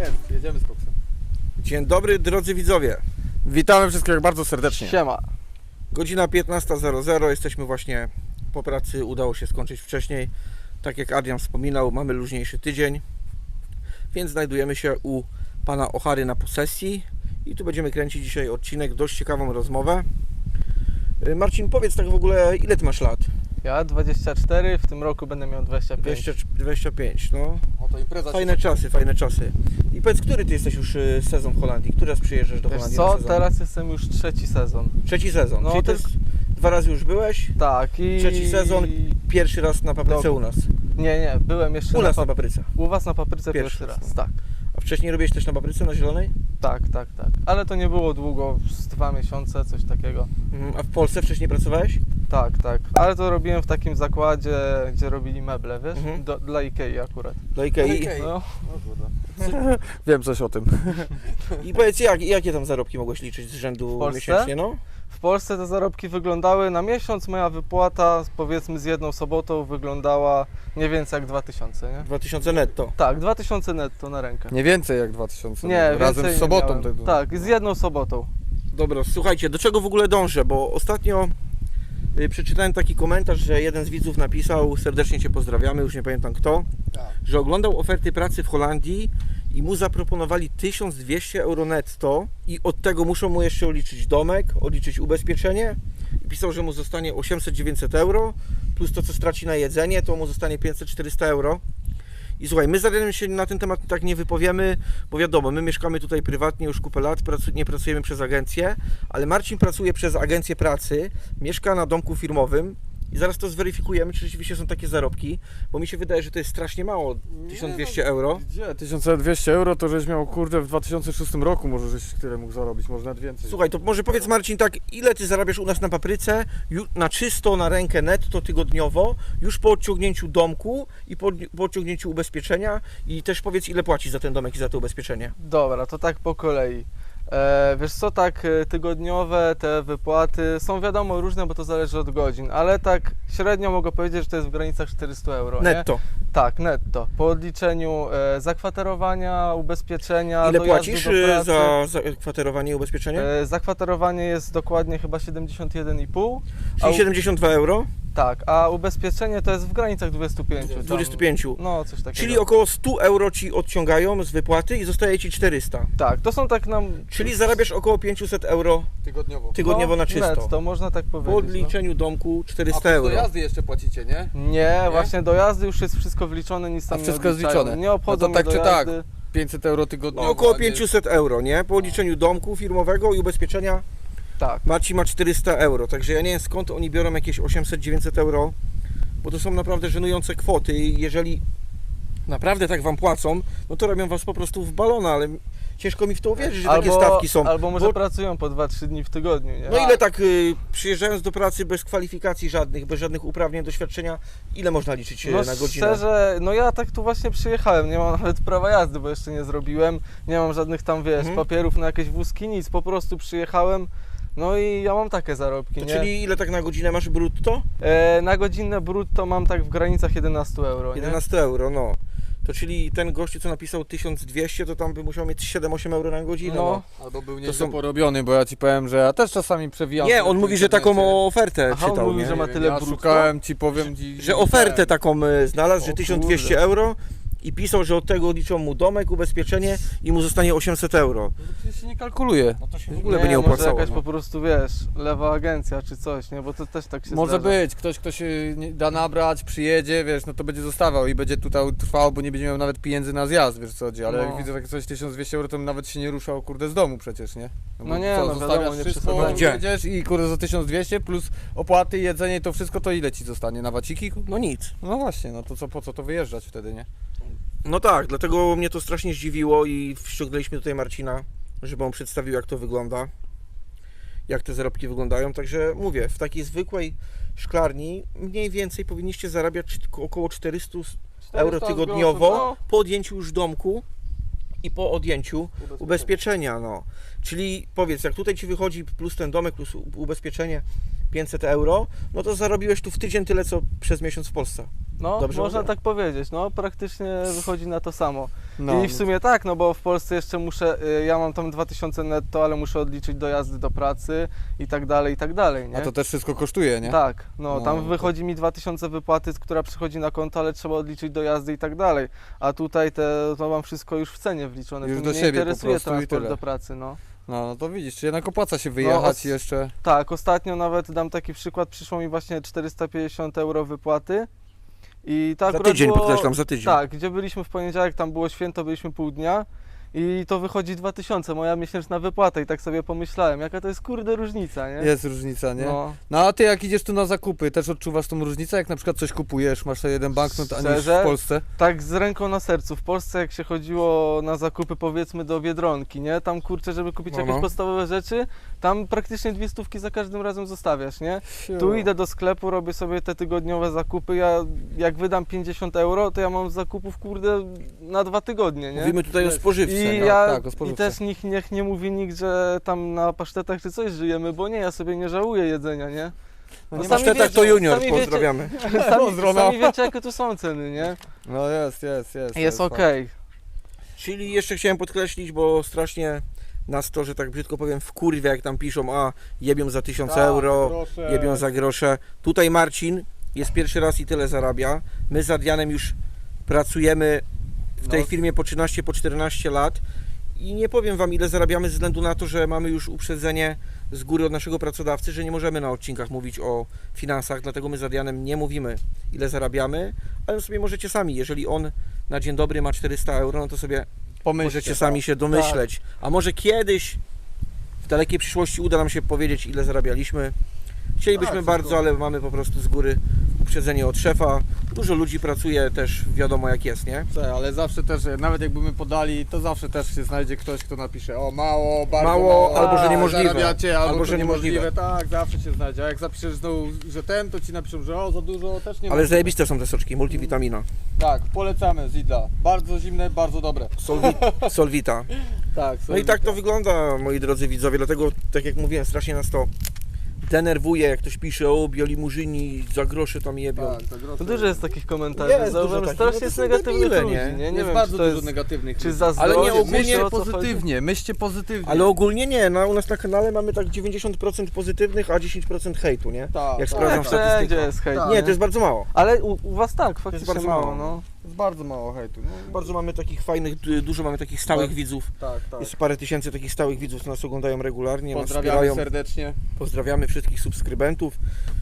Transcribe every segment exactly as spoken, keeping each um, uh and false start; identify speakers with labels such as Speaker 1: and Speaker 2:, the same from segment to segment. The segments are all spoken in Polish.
Speaker 1: jest, jedziemy z koksem.
Speaker 2: Dzień dobry drodzy widzowie. Witamy wszystkich bardzo serdecznie.
Speaker 3: Siema.
Speaker 2: Godzina piętnasta zero zero, jesteśmy właśnie po pracy, udało się skończyć wcześniej. Tak jak Adrian wspominał, mamy luźniejszy tydzień, więc znajdujemy się u pana Ochary na posesji i tu będziemy kręcić dzisiaj odcinek, dość ciekawą rozmowę. Marcin, powiedz tak w ogóle, ile ty masz lat?
Speaker 3: Ja dwadzieścia cztery, w tym roku będę miał dwadzieścia pięć.
Speaker 2: dwadzieścia, dwadzieścia pięć, no.
Speaker 1: O, to impreza.
Speaker 2: Fajne
Speaker 1: się...
Speaker 2: czasy, fajne czasy. I powiedz, który ty jesteś już y, sezon w Holandii? Który raz przyjeżdżasz do
Speaker 3: Wiesz
Speaker 2: Holandii
Speaker 3: co,
Speaker 2: na sezon?
Speaker 3: teraz jestem już trzeci sezon.
Speaker 2: Trzeci sezon,
Speaker 3: No,
Speaker 2: czyli to
Speaker 3: tylko-
Speaker 2: jest dwa razy już byłeś,
Speaker 3: Tak i...
Speaker 2: trzeci sezon, pierwszy raz na papryce
Speaker 3: No.
Speaker 2: u nas.
Speaker 3: Nie, nie, byłem jeszcze
Speaker 2: U nas
Speaker 3: na,
Speaker 2: na
Speaker 3: pap...
Speaker 2: papryce.
Speaker 3: U was na papryce
Speaker 2: Pierwszy
Speaker 3: pierwszy,
Speaker 2: raz,
Speaker 3: raz, tak.
Speaker 2: A wcześniej robiłeś też na papryce, na zielonej?
Speaker 3: Tak, tak, tak. Ale to nie było długo, z dwa miesiące, coś takiego.
Speaker 2: Mhm. A w Polsce wcześniej pracowałeś?
Speaker 3: Tak, tak. Ale to robiłem w takim zakładzie, gdzie robili meble, wiesz?
Speaker 2: Mhm.
Speaker 3: Do, dla Ikei akurat.
Speaker 2: Do Ikei.
Speaker 1: Ikei.
Speaker 3: No.
Speaker 1: O kurde.
Speaker 3: Wiem coś o tym.
Speaker 2: I powiedz, jak, jakie tam zarobki mogłeś liczyć z rzędu
Speaker 3: W Polsce?
Speaker 2: miesięcznie, no?
Speaker 3: W Polsce te zarobki wyglądały na miesiąc, moja wypłata powiedzmy z jedną sobotą wyglądała nie więcej jak dwa tysiące, nie?
Speaker 2: dwa tysiące netto.
Speaker 3: Tak, dwa tysiące netto na rękę.
Speaker 4: Nie więcej jak dwa tysiące.
Speaker 3: Nie,
Speaker 4: razem
Speaker 3: więcej
Speaker 4: z sobotą.
Speaker 3: nie miałem.
Speaker 4: Tego.
Speaker 3: Tak, z jedną sobotą.
Speaker 2: Dobra, słuchajcie, do czego w ogóle dążę, bo ostatnio y, przeczytałem taki komentarz, że jeden z widzów napisał, serdecznie Cię pozdrawiamy, już nie pamiętam kto,
Speaker 1: Tak.
Speaker 2: że oglądał oferty pracy w Holandii i mu zaproponowali tysiąc dwieście euro netto i od tego muszą mu jeszcze odliczyć domek, odliczyć ubezpieczenie i pisał, że mu zostanie osiemset dziewięćset euro plus to, co straci na jedzenie, to mu zostanie pięćset czterysta euro. I słuchaj, my z Adrianem się na ten temat tak nie wypowiemy, bo wiadomo, my mieszkamy tutaj prywatnie już kupę lat, pracu- nie pracujemy przez agencję, ale Marcin pracuje przez agencję pracy, mieszka na domku firmowym i zaraz to zweryfikujemy, czy rzeczywiście są takie zarobki, bo mi się wydaje, że to jest strasznie mało, tysiąc dwieście euro.
Speaker 4: Gdzie? tysiąc dwieście euro to żeś miał kurde w dwa tysiące szóstym roku może żeś tyle mógł zarobić, może nawet więcej.
Speaker 2: Słuchaj, to może powiedz Marcin tak, ile Ty zarabiasz u nas na papryce, ju- na czysto, na rękę netto tygodniowo, już po odciągnięciu domku i po, po odciągnięciu ubezpieczenia i też powiedz, ile płacisz za ten domek i za to ubezpieczenie.
Speaker 3: Dobra, to tak po kolei. E, wiesz co, tak e, tygodniowe te wypłaty są wiadomo różne, bo to zależy od godzin, ale tak średnio mogę powiedzieć, że to jest w granicach czterysta euro. Nie?
Speaker 2: Netto.
Speaker 3: Tak, netto. Po odliczeniu e, zakwaterowania, ubezpieczenia,
Speaker 2: Ile
Speaker 3: dojazdu
Speaker 2: płacisz
Speaker 3: do
Speaker 2: y,
Speaker 3: pracy.
Speaker 2: za, za kwaterowanie i ubezpieczenie?
Speaker 3: E, zakwaterowanie jest dokładnie chyba siedemdziesiąt jeden i pół.
Speaker 2: Czyli
Speaker 3: u-
Speaker 2: siedemdziesiąt dwa euro,
Speaker 3: Tak, a ubezpieczenie to jest w granicach dwudziestu pięciu. tam-
Speaker 2: dwadzieścia pięć.
Speaker 3: No, coś takiego.
Speaker 2: Czyli około sto euro Ci odciągają z wypłaty i zostaje Ci czterysta.
Speaker 3: Tak, to są tak nam...
Speaker 2: Czyli zarabiasz około pięćset euro
Speaker 1: Tygodniowo.
Speaker 2: tygodniowo na czysto.
Speaker 3: To można tak powiedzieć.
Speaker 2: Po odliczeniu domku
Speaker 1: A
Speaker 2: czterysta
Speaker 1: plus do
Speaker 2: euro.
Speaker 1: jazdy jeszcze płacicie, nie?
Speaker 3: No. Nie, właśnie do jazdy już jest wszystko wliczone, nic tam
Speaker 4: A
Speaker 3: nie
Speaker 4: wszystko jest
Speaker 3: odliczają.
Speaker 4: wliczone.
Speaker 3: Nie obchodzą
Speaker 4: No to tak
Speaker 3: mnie
Speaker 4: czy
Speaker 3: do
Speaker 4: tak?
Speaker 3: jazdy.
Speaker 4: pięćset euro tygodniowo.
Speaker 2: No około
Speaker 1: a nie-
Speaker 2: pięćset euro, nie? Po odliczeniu domku firmowego i ubezpieczenia
Speaker 3: Tak.
Speaker 2: Marcin ma czterysta euro. Także ja nie wiem, skąd oni biorą jakieś osiemset dziewięćset euro, bo to są naprawdę żenujące kwoty i jeżeli naprawdę tak Wam płacą, no to robią Was po prostu w balona, ale ciężko mi w to uwierzyć, że takie stawki są.
Speaker 3: Albo może
Speaker 2: Bo-
Speaker 3: pracują po dwa trzy dni w tygodniu, nie?
Speaker 2: No ile tak y, przyjeżdżając do pracy bez kwalifikacji żadnych, bez żadnych uprawnień, doświadczenia, ile można liczyć y,
Speaker 3: No
Speaker 2: na godzinę?
Speaker 3: szczerze, no ja tak tu właśnie przyjechałem, nie mam nawet prawa jazdy, bo jeszcze nie zrobiłem, nie mam żadnych tam, wiesz,
Speaker 2: Mhm.
Speaker 3: papierów na jakieś wózki, nic, po prostu przyjechałem, no i ja mam takie zarobki,
Speaker 2: To
Speaker 3: nie?
Speaker 2: czyli ile tak na godzinę masz brutto?
Speaker 3: E, na godzinę brutto mam tak w granicach jedenaście euro, nie?
Speaker 2: jedenaście euro, no. To czyli ten gościu, co napisał tysiąc dwieście, to tam by musiał mieć siedem osiem euro na godzinę. No.
Speaker 3: No.
Speaker 1: Albo był
Speaker 2: To
Speaker 1: nieźle
Speaker 2: są-
Speaker 4: Porobiony, bo ja ci powiem, że ja też czasami przewijam.
Speaker 2: Nie,
Speaker 4: sobie
Speaker 2: on
Speaker 4: po
Speaker 2: mówi, że
Speaker 4: internecie.
Speaker 2: taką ofertę
Speaker 3: Aha, on
Speaker 2: czytał,
Speaker 3: mówi,
Speaker 2: nie?
Speaker 3: że ma
Speaker 4: Nie
Speaker 3: tyle
Speaker 4: wiem, ja
Speaker 3: brutto?
Speaker 4: szukałem ci, powiem ci.
Speaker 2: Że ofertę taką y, znalazł, że
Speaker 3: O
Speaker 2: tysiąc dwieście
Speaker 3: kurde.
Speaker 2: euro i pisał, że od tego liczą mu domek, ubezpieczenie i mu zostanie osiemset euro.
Speaker 4: No to przecież się nie kalkuluje.
Speaker 2: No to się w ogóle
Speaker 3: nie,
Speaker 2: by nie
Speaker 3: może
Speaker 2: opłacało.
Speaker 3: jakaś
Speaker 2: No.
Speaker 3: po prostu, wiesz, lewa agencja czy coś, nie? Bo to też tak się
Speaker 4: Może
Speaker 3: zdarza.
Speaker 4: być, ktoś kto się nie da nabrać, przyjedzie, wiesz, no to będzie zostawał i będzie tutaj trwał, bo nie będzie miał nawet pieniędzy na zjazd, wiesz co chodzi, ale
Speaker 3: No.
Speaker 4: jak widzę takie coś tysiąc dwieście euro, to bym nawet się nie ruszał, kurde, z domu przecież, nie?
Speaker 3: No
Speaker 4: bo
Speaker 3: nie,
Speaker 4: co,
Speaker 3: no
Speaker 4: zostawiasz
Speaker 3: wiadomo, nie
Speaker 4: wszystko,
Speaker 3: przesadzajmy.
Speaker 2: Gdzie?
Speaker 4: jedziesz i kurde za tysiąc dwieście plus opłaty, jedzenie, to wszystko, to ile ci zostanie na waciki?
Speaker 2: No nic.
Speaker 4: No właśnie, no to co, po co to wyjeżdżać wtedy, nie?
Speaker 2: No tak, dlatego mnie to strasznie zdziwiło i ściągnęliśmy tutaj Marcina, żeby on przedstawił, jak to wygląda, jak te zarobki wyglądają. Także mówię, w takiej zwykłej szklarni mniej więcej powinniście zarabiać około czterysta euro
Speaker 3: czterysta
Speaker 2: tygodniowo
Speaker 3: groszy, no.
Speaker 2: po odjęciu już domku i po odjęciu ubezpieczenia. No. Czyli powiedz, jak tutaj Ci wychodzi plus ten domek, plus ubezpieczenie pięćset euro, no to zarobiłeś tu w tydzień tyle, co przez miesiąc w Polsce.
Speaker 3: No,
Speaker 2: Dobrze
Speaker 3: można
Speaker 2: mówię?
Speaker 3: tak powiedzieć, no praktycznie wychodzi na to samo.
Speaker 4: No,
Speaker 3: I w sumie tak, no bo w Polsce jeszcze muszę, y, ja mam tam dwa tysiące netto, ale muszę odliczyć dojazdy do pracy i tak dalej, i tak dalej, nie?
Speaker 4: a to też wszystko kosztuje, nie?
Speaker 3: Tak, no,
Speaker 4: No,
Speaker 3: tam
Speaker 4: to-
Speaker 3: wychodzi mi dwa tysiące wypłaty, która przychodzi na konto, ale trzeba odliczyć dojazdy i tak dalej. A tutaj te, to mam wszystko już w cenie wliczone,
Speaker 4: Już
Speaker 3: to
Speaker 4: do
Speaker 3: mnie nie
Speaker 4: siebie po
Speaker 3: interesuje
Speaker 4: prostu i
Speaker 3: transport
Speaker 4: tyle.
Speaker 3: do pracy, no.
Speaker 4: No, no to widzisz, czy jednak opłaca się wyjechać
Speaker 3: os-
Speaker 4: jeszcze.
Speaker 3: Tak, ostatnio nawet dam taki przykład, przyszło mi właśnie czterysta pięćdziesiąt euro wypłaty i to
Speaker 2: Za
Speaker 3: akurat
Speaker 2: tydzień,
Speaker 3: było,
Speaker 2: podkreślam, za tydzień.
Speaker 3: tak, gdzie byliśmy w poniedziałek, tam było święto, byliśmy pół dnia i to wychodzi dwa tysiące, moja miesięczna wypłata i tak sobie pomyślałem, jaka to jest kurde różnica, nie?
Speaker 4: Jest różnica, nie?
Speaker 3: No,
Speaker 4: No a ty jak idziesz tu na zakupy, też odczuwasz tą różnicę? Jak na przykład coś kupujesz, masz jeden banknot, a niż
Speaker 3: Szczerze?
Speaker 4: w Polsce?
Speaker 3: tak z ręką na sercu, w Polsce jak się chodziło na zakupy powiedzmy do Biedronki, nie? Tam kurczę, żeby kupić
Speaker 2: No,
Speaker 3: jakieś
Speaker 2: no.
Speaker 3: podstawowe rzeczy, tam praktycznie dwie stówki za każdym razem zostawiasz, nie? Tu idę do sklepu, robię sobie te tygodniowe zakupy, ja jak wydam pięćdziesiąt euro, to ja mam zakupów kurde na dwa tygodnie, nie?
Speaker 2: Mówimy tutaj o spożywce.
Speaker 3: I
Speaker 2: no.
Speaker 3: ja
Speaker 4: tak, o
Speaker 3: i
Speaker 4: spożywce.
Speaker 3: też nikt niech nie mówi nikt, że tam na pasztetach czy coś żyjemy, bo nie, ja sobie nie żałuję jedzenia, nie?
Speaker 2: No
Speaker 3: No
Speaker 2: nie
Speaker 3: sami
Speaker 2: masz tak, to
Speaker 3: wiecie-
Speaker 2: junior,
Speaker 3: sami wiecie-
Speaker 2: pozdrawiamy.
Speaker 3: Sami,
Speaker 4: Pozdro, no.
Speaker 3: sami wiecie jakie tu są ceny, nie?
Speaker 4: No jest, jest, jest.
Speaker 3: Jest okej.
Speaker 2: Czyli jeszcze chciałem podkreślić, bo strasznie nas to, że tak brzydko powiem, wkurwia, jak tam piszą, a jebią za tysiąc
Speaker 4: Tak,
Speaker 2: euro, jebią za grosze. Tutaj Marcin jest pierwszy raz i tyle zarabia. My z Adrianem już pracujemy w tej
Speaker 4: No.
Speaker 2: firmie po trzynaście, po czternaście lat i nie powiem Wam, ile zarabiamy ze względu na to, że mamy już uprzedzenie z góry od naszego pracodawcy, że nie możemy na odcinkach mówić o finansach, dlatego my z Adrianem nie mówimy, ile zarabiamy, ale sobie możecie sami, jeżeli on na dzień dobry ma czterysta euro, no to sobie
Speaker 4: Pomyślcie,
Speaker 2: możecie sami się domyśleć. A może kiedyś w dalekiej przyszłości uda nam się powiedzieć, ile zarabialiśmy. Chcielibyśmy
Speaker 4: Tak,
Speaker 2: bardzo,
Speaker 4: wszystko.
Speaker 2: ale mamy po prostu z góry uprzedzenie od szefa. Dużo ludzi pracuje też, wiadomo jak jest, nie?
Speaker 4: Tak, ale zawsze też, nawet jakby my podali, to zawsze też się znajdzie ktoś, kto napisze o mało, bardzo
Speaker 2: Mało,
Speaker 4: mało,
Speaker 2: albo, że
Speaker 4: a,
Speaker 2: niemożliwe.
Speaker 4: zarabiacie, albo,
Speaker 2: Albo,
Speaker 4: że
Speaker 2: że
Speaker 4: niemożliwe.
Speaker 2: niemożliwe.
Speaker 4: Tak, zawsze się znajdzie. A jak zapiszesz znowu, że ten, to ci napiszą, że o, za dużo, też nie
Speaker 2: Ale
Speaker 4: ma.
Speaker 2: zajebiste są te soczki, multivitamina.
Speaker 4: Tak, polecamy z Lidla. Bardzo zimne, bardzo dobre.
Speaker 2: Solvi Solvita.
Speaker 4: Tak,
Speaker 2: No i tak to wygląda, moi drodzy widzowie, dlatego, tak jak mówiłem, strasznie nas to denerwuje, jak ktoś pisze, o biolimuzyni za grosze tam jebią.
Speaker 4: Tak, to grosze.
Speaker 3: To dużo jest takich komentarzy,
Speaker 2: Jest
Speaker 3: zauważyłem,
Speaker 2: dużo
Speaker 3: strasznie
Speaker 2: takich,
Speaker 3: jest
Speaker 2: no to są
Speaker 3: negatywnych
Speaker 2: debile,
Speaker 3: ludzi,
Speaker 2: nie?
Speaker 3: nie? Nie
Speaker 4: jest
Speaker 3: wiem,
Speaker 4: bardzo
Speaker 3: czy to
Speaker 4: dużo
Speaker 3: jest,
Speaker 4: negatywnych
Speaker 3: czy
Speaker 4: ludzi.
Speaker 3: zazdrość,
Speaker 2: Ale nie ogólnie
Speaker 3: myślę, o co chodzi.
Speaker 4: pozytywnie, myślcie pozytywnie.
Speaker 2: Ale ogólnie nie, no, u nas na kanale mamy tak dziewięćdziesiąt procent pozytywnych, a dziesięć procent hejtu, nie?
Speaker 4: Tak,
Speaker 2: Jak
Speaker 4: tak.
Speaker 2: sprawdzam
Speaker 3: Tak, wszędzie
Speaker 2: statystykę.
Speaker 3: jest hejt,
Speaker 4: Tak.
Speaker 2: Nie, to jest bardzo mało.
Speaker 3: Ale u, u was tak, faktycznie
Speaker 2: bardzo
Speaker 3: mało,
Speaker 2: mało.
Speaker 3: no.
Speaker 4: Jest bardzo mało hejtu. No,
Speaker 2: Bardzo mamy takich fajnych, du- dużo mamy takich stałych
Speaker 4: Tak.
Speaker 2: widzów.
Speaker 4: tak, tak.
Speaker 2: Jest parę tysięcy takich stałych widzów, co nas oglądają regularnie, nas
Speaker 4: Pozdrawiamy
Speaker 2: wspierają.
Speaker 4: serdecznie.
Speaker 2: Pozdrawiamy wszystkich subskrybentów.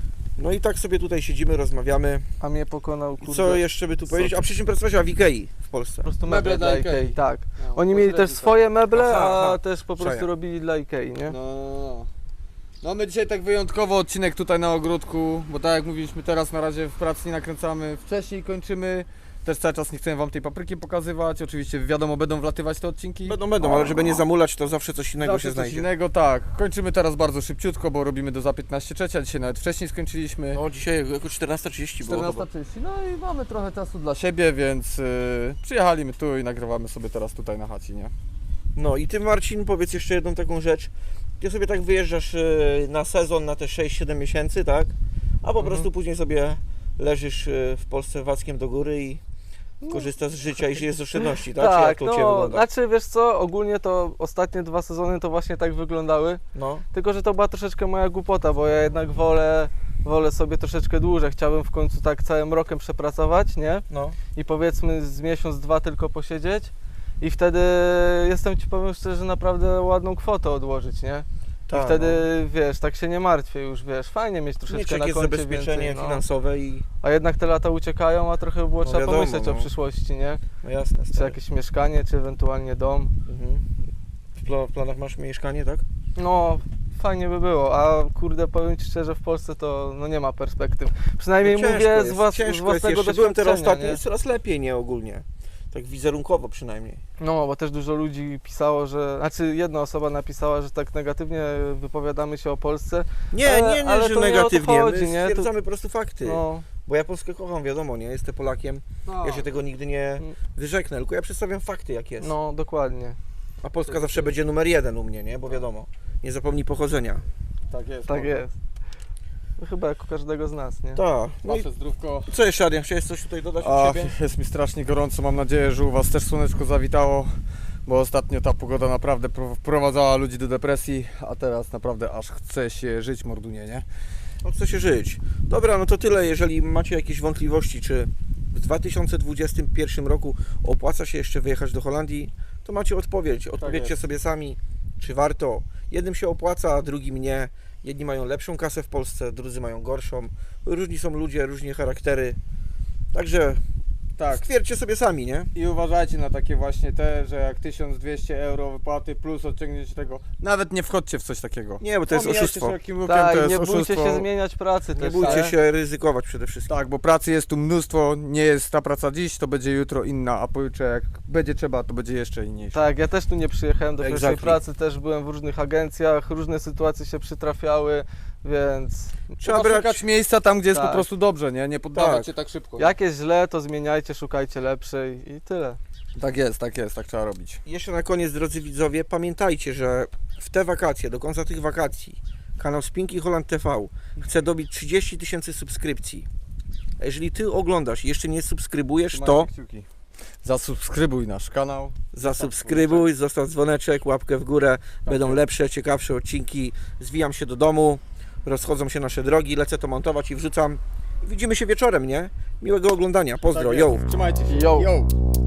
Speaker 2: No i tak sobie tutaj siedzimy, rozmawiamy.
Speaker 3: A mnie pokonał,
Speaker 2: I
Speaker 3: kurde,
Speaker 2: co jeszcze by tu powiedzieć? A przy czym pracować w Ikei w Polsce.
Speaker 3: po prostu
Speaker 4: Meble
Speaker 3: meble
Speaker 4: dla
Speaker 3: dla
Speaker 4: Ikei.
Speaker 3: Ikei, tak.
Speaker 4: No,
Speaker 3: Oni mieli też swoje meble,
Speaker 2: Aha,
Speaker 3: a
Speaker 2: aha.
Speaker 3: też po prostu
Speaker 2: Przeja.
Speaker 3: robili dla Ikei, nie?
Speaker 4: No. No my dzisiaj tak wyjątkowo odcinek tutaj na ogródku, bo tak jak mówiliśmy teraz na razie w pracy nie nakręcamy, wcześniej kończymy. Też cały czas nie chcemy wam tej papryki pokazywać. Oczywiście wiadomo będą wlatywać te odcinki.
Speaker 2: Będą, będą, ale żeby nie zamulać, to zawsze coś innego
Speaker 4: Zawsze
Speaker 2: się
Speaker 4: coś
Speaker 2: znajdzie.
Speaker 4: innego, tak. Kończymy teraz bardzo szybciutko, bo robimy do za piętnaście trzecia, dzisiaj nawet wcześniej skończyliśmy.
Speaker 2: No dzisiaj jako czternasta trzydzieści było chyba.
Speaker 4: czternasta trzydzieści, no i mamy trochę czasu dla siebie, więc yy, przyjechaliśmy tu i nagrywamy sobie teraz tutaj na chacie, nie?
Speaker 2: No i ty Marcin, powiedz jeszcze jedną taką rzecz. Ty sobie tak wyjeżdżasz e, na sezon, na te sześć siedem miesięcy, tak? A po
Speaker 3: Mhm.
Speaker 2: prostu później sobie leżysz e, w Polsce wackiem do góry i korzystasz z życia i żyjesz z oszczędności, tak? Czy jak
Speaker 3: Tak,
Speaker 2: to u Ciebie
Speaker 3: no,
Speaker 2: wygląda?
Speaker 3: znaczy wiesz co, ogólnie to ostatnie dwa sezony to właśnie tak wyglądały,
Speaker 2: No,
Speaker 3: tylko że to była troszeczkę moja głupota, bo ja jednak wolę, wolę sobie troszeczkę dłużej, chciałbym w końcu tak całym rokiem przepracować, nie?
Speaker 2: no.
Speaker 3: I powiedzmy z miesiąc, dwa tylko posiedzieć i wtedy jestem Ci powiem szczerze, naprawdę ładną kwotę odłożyć, nie? I
Speaker 2: Tak,
Speaker 3: wtedy wiesz, tak się nie martwię już, wiesz, fajnie mieć
Speaker 2: no.
Speaker 3: troszeczkę
Speaker 2: Mieć
Speaker 3: na
Speaker 2: jakieś
Speaker 3: koncie
Speaker 2: zabezpieczenie
Speaker 3: więcej, no.
Speaker 2: finansowe i...
Speaker 3: A jednak te lata uciekają, a trochę by było
Speaker 2: No
Speaker 3: trzeba
Speaker 2: wiadomo,
Speaker 3: pomyśleć o
Speaker 2: no.
Speaker 3: przyszłości, nie?
Speaker 2: No jasne,
Speaker 3: Czy
Speaker 2: stary.
Speaker 3: jakieś mieszkanie, czy ewentualnie dom.
Speaker 2: Mhm. W, pla w planach masz mieszkanie, tak?
Speaker 3: No, fajnie by było, a kurde, powiem Ci szczerze, w Polsce to no, nie ma perspektyw. Przynajmniej
Speaker 2: No ciężko
Speaker 3: mówię
Speaker 2: jest,
Speaker 3: z, włas z
Speaker 2: ciężko jest
Speaker 3: własnego
Speaker 2: jeszcze. Byłem teraz
Speaker 3: doświadczenia,
Speaker 2: ostatnio,
Speaker 3: nie?
Speaker 2: jest coraz lepiej, nie ogólnie. Tak wizerunkowo przynajmniej.
Speaker 3: No, bo też dużo ludzi pisało, że, znaczy jedna osoba napisała, że tak negatywnie wypowiadamy się o Polsce.
Speaker 2: Nie,
Speaker 3: Ale-
Speaker 2: nie, nie,
Speaker 3: ale
Speaker 2: że
Speaker 3: to nie o to
Speaker 2: negatywnie.
Speaker 3: chodzi,
Speaker 2: My
Speaker 3: nie? Tu-
Speaker 2: stwierdzamy po prostu fakty.
Speaker 3: No,
Speaker 2: Bo ja Polskę kocham, wiadomo, nie? Jestem Polakiem. Ja się tego nigdy nie
Speaker 3: Mm.
Speaker 2: wyrzeknę, tylko ja przedstawiam fakty jak jest.
Speaker 3: no, dokładnie.
Speaker 2: A Polska zawsze będzie numer jeden u mnie, nie? Bo wiadomo, nie zapomnij pochodzenia.
Speaker 4: Tak jest.
Speaker 3: Tak jest. Chyba jak u każdego z nas, nie?
Speaker 2: Tak. No i
Speaker 4: Wasze zdrówko.
Speaker 2: co jeszcze, Adrian? Chciałeś coś tutaj dodać od
Speaker 4: A,
Speaker 2: siebie?
Speaker 4: jest mi strasznie gorąco, mam nadzieję, że u Was też słoneczko zawitało, bo ostatnio ta pogoda naprawdę pro- wprowadzała ludzi do depresji, a teraz naprawdę aż chce się żyć, mordunie, nie?
Speaker 2: No, chce się żyć. Dobra, no to tyle. Jeżeli macie jakieś wątpliwości, czy w dwa tysiące dwudziestym pierwszym roku opłaca się jeszcze wyjechać do Holandii, to macie odpowiedź. Odpowiedzcie
Speaker 4: jest.
Speaker 2: sobie sami, czy warto. Jednym się opłaca, a drugim nie. Jedni mają lepszą kasę w Polsce, drudzy mają gorszą. Różni są ludzie, różne charaktery. Także
Speaker 4: Tak.
Speaker 2: stwierdźcie sobie sami, nie?
Speaker 4: I uważajcie na takie właśnie te, że jak tysiąc dwieście euro wypłaty plus odciągnięcie tego, nawet nie wchodźcie w coś takiego.
Speaker 2: Nie, bo to jest
Speaker 4: Omijajcie
Speaker 2: oszustwo.
Speaker 4: szerokim łukiem,
Speaker 3: Tak,
Speaker 4: to jest
Speaker 3: nie bójcie
Speaker 4: oszustwo.
Speaker 3: się zmieniać pracy
Speaker 2: Nie
Speaker 3: też,
Speaker 2: bójcie
Speaker 3: nie?
Speaker 2: się ryzykować przede wszystkim.
Speaker 4: Tak, bo pracy jest tu mnóstwo, nie jest ta praca dziś, to będzie jutro inna, a pojutrze jak będzie trzeba, to będzie jeszcze inniejsza.
Speaker 3: Tak, ja też tu nie przyjechałem do pierwszej
Speaker 2: Exactly.
Speaker 3: pracy, też byłem w różnych agencjach, różne sytuacje się przytrafiały, więc
Speaker 2: Trzeba
Speaker 4: Trzeba
Speaker 2: brać...
Speaker 4: szukać miejsca tam, gdzie jest
Speaker 3: Tak.
Speaker 4: po prostu dobrze, nie? Nie poddawać
Speaker 2: Tak.
Speaker 4: się tak szybko.
Speaker 3: jak jest źle, to zmieniajcie, szukajcie lepszej i tyle.
Speaker 4: Tak jest, tak jest, tak trzeba robić.
Speaker 2: Jeszcze na koniec, drodzy widzowie, pamiętajcie, że w te wakacje, do końca tych wakacji, kanał Spinki Holland T V chce dobić trzydzieści tysięcy subskrypcji. A jeżeli Ty oglądasz i jeszcze nie subskrybujesz, to
Speaker 4: Trzymajcie kciuki. Zasubskrybuj nasz kanał.
Speaker 2: zasubskrybuj, zostaw dzwoneczek, łapkę w górę. Będą
Speaker 4: jest.
Speaker 2: lepsze, ciekawsze odcinki. Zwijam się do domu, rozchodzą się nasze drogi, lecę to montować i wrzucam. Widzimy się wieczorem, nie? Miłego oglądania. Pozdro,
Speaker 4: Tak
Speaker 2: yo!
Speaker 4: jest. Trzymajcie się.
Speaker 3: Yo.
Speaker 4: Yo.